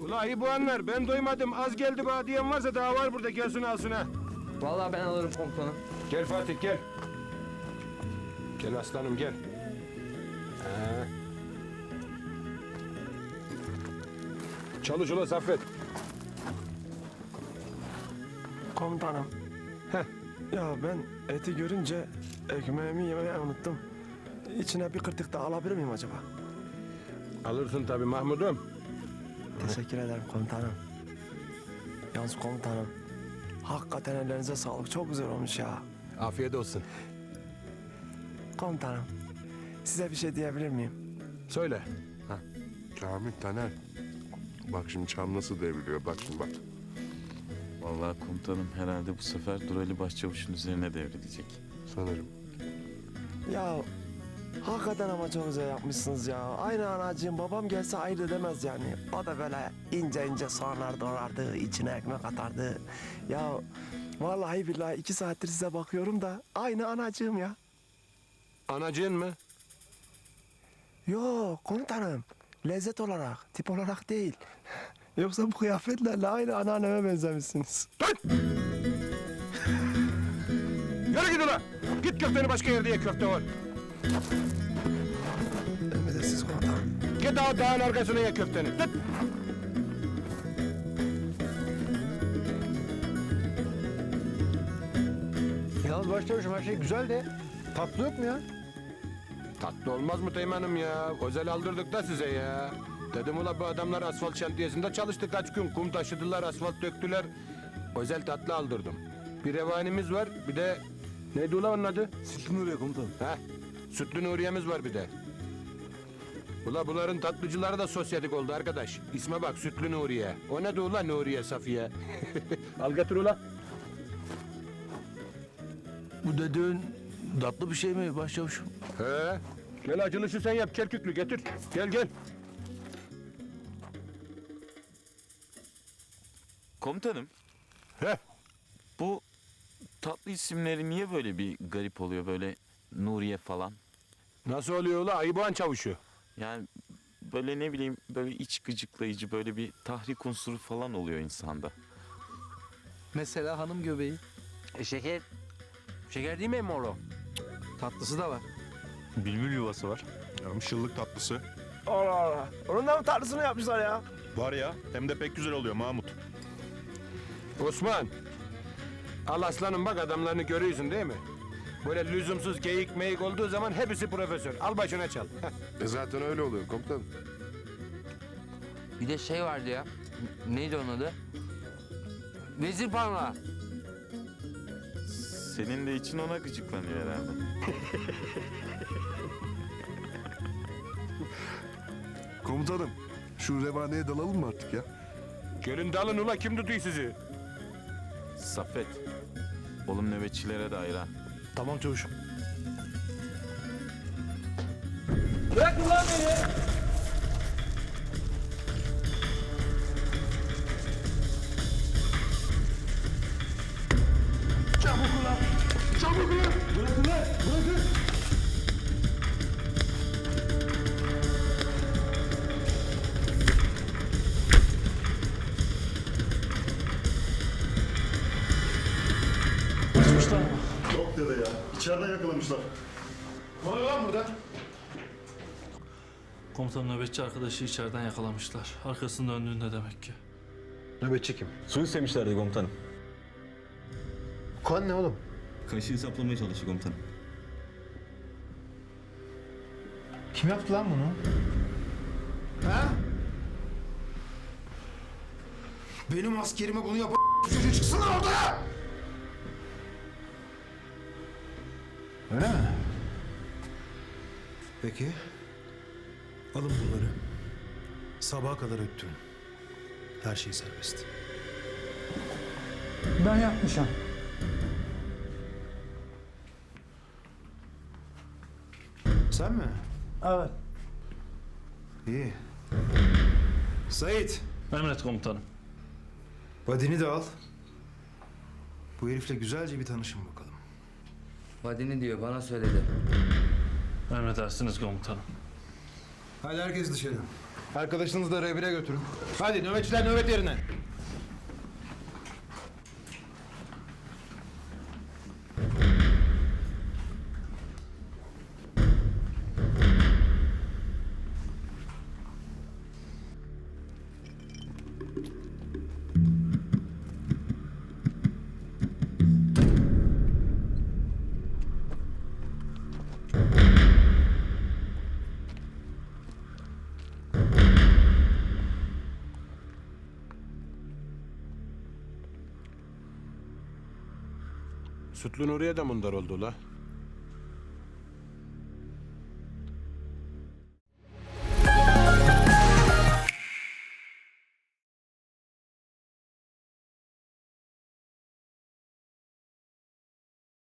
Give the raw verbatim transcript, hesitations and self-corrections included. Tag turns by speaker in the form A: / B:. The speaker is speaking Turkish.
A: Ula bu anlar ben doymadım az geldi bana diyen varsa daha var burada gelsin alsın ha.
B: Vallahi ben alırım komutanım.
A: Gel Fatih gel. Gel aslanım gel. Ha. Çalış ula Saffet.
C: Komutanım.
A: Heh.
C: Ya ben eti görünce ekmeğimi yemeyi unuttum. İçine bir kırtık daha alabilir miyim acaba?
A: Alırsın tabii Mahmud'um.
C: Teşekkür ederim komutanım. Yalnız komutanım. Hakikaten ellerinize sağlık. Çok güzel olmuş ya.
A: Afiyet olsun.
C: Komutanım. Size bir şey diyebilir miyim?
A: Söyle.
D: Kamil Taner. Bak şimdi çam nasıl devriliyor bak şimdi bak.
E: Vallahi komutanım herhalde bu sefer Durali Başçavuş'un üzerine devrilecek.
D: Sanırım.
C: Ya hakikaten ama çok güzel yapmışsınız ya. Aynı anacığım babam gelse ayırt edemez yani. O da böyle ince ince soğanlar doğrardı, içine ekmek atardı. Ya vallahi billahi iki saattir size bakıyorum da aynı anacığım ya.
A: Anacığın mı?
C: Yok komutanım. Lezzet olarak, tip olarak değil. Yoksa bu kıyafetlerle aynı anneanneme benzemişsiniz.
A: Yürü git ula. Git köfteni başka yerde ye köfte var.
C: Emredersiniz komutanım.
A: Git daha dağın arkasına ye köfteni. Git.
F: Yalnız başlamışım her şey güzel de tatlı yok mu ya?
A: Tatlı olmaz mı Teğmen'im ya? Özel aldırdık da size ya. Dedim ula bu adamlar asfalt şantiyesinde çalıştı kaç gün. Kum taşıdılar, asfalt döktüler. Özel tatlı aldırdım. Bir revanimiz var, bir de... Neydi ula onun adı?
F: Sütlü Nuriye komutanım.
A: Heh, Sütlü Nuriye'miz var bir de. Ula bunların tatlıcıları da sosyetik oldu arkadaş. İsme bak Sütlü Nuriye. O ne de ula Nuriye Safiye. Al getir ula.
F: Bu dediğin tatlı bir şey mi başlamışım?
A: He. Gel acılışı sen yap Kerküklü getir. Gel gel.
E: Komutanım
A: He.
E: bu tatlı isimleri niye böyle bir garip oluyor böyle Nuriye falan?
A: Nasıl oluyor ula Ayıboğan çavuşu?
E: Yani böyle ne bileyim böyle iç gıcıklayıcı böyle bir tahrik unsuru falan oluyor insanda.
B: Mesela hanım göbeği.
F: E şeker. Şeker değil mi emmi oğlum?
B: Tatlısı da var.
G: Bülbül yuvası var.
D: Şıllık tatlısı.
C: Allah Allah. Onun da mı tatlısını yapmışlar ya?
G: Var ya, hem de pek güzel oluyor Mahmut.
A: Osman. Al aslanım bak adamlarını görüyorsun değil mi? Böyle lüzumsuz geyik meyik olduğu zaman hepsi profesör. Al başına çal.
D: E zaten öyle oluyor komutanım.
B: Bir de şey vardı ya. N- Neydi onun adı? Vezir parmağı.
E: Senin de için ona gıcıklanıyor herhalde.
D: Komutanım şu revaneye dalalım mı artık ya?
A: Gelin dalın ula kim tutuyor sizi?
E: Saffet. Oğlum nöbetçilere de ayran.
F: Tamam çavuşum.
G: Yok dede ya. İçeriden yakalamışlar.
H: Komutan nöbetçi arkadaşı içeriden yakalamışlar. Arkasını döndüğünde demek ki.
F: Nöbetçi kim?
G: Su istemişlerdi komutanım.
F: Kan ne oğlum?
G: Kaşığı saplamaya çalıştı komutanım.
F: Kim yaptı lan bunu?
I: Benim askerime bunu yapan çocuğu çıksın lan ortaya!
F: Öyle mi?
I: Peki. Alın bunları. Sabaha kadar öttürün. Her şey serbest.
B: Ben yapmışım.
I: Sen mi?
B: Evet.
I: İyi. Sait,
H: Emret komutanım.
I: vadini de al. Bu herifle güzelce bir tanışın bakalım.
B: Vadini diyor bana söyledi.
H: Emredersiniz komutanım.
I: Hadi herkes dışarı. Arkadaşınızı da revire götürün. Hadi nöbetçiler nöbet yerine.
A: Sütlü Nuriye de mundar oldu la.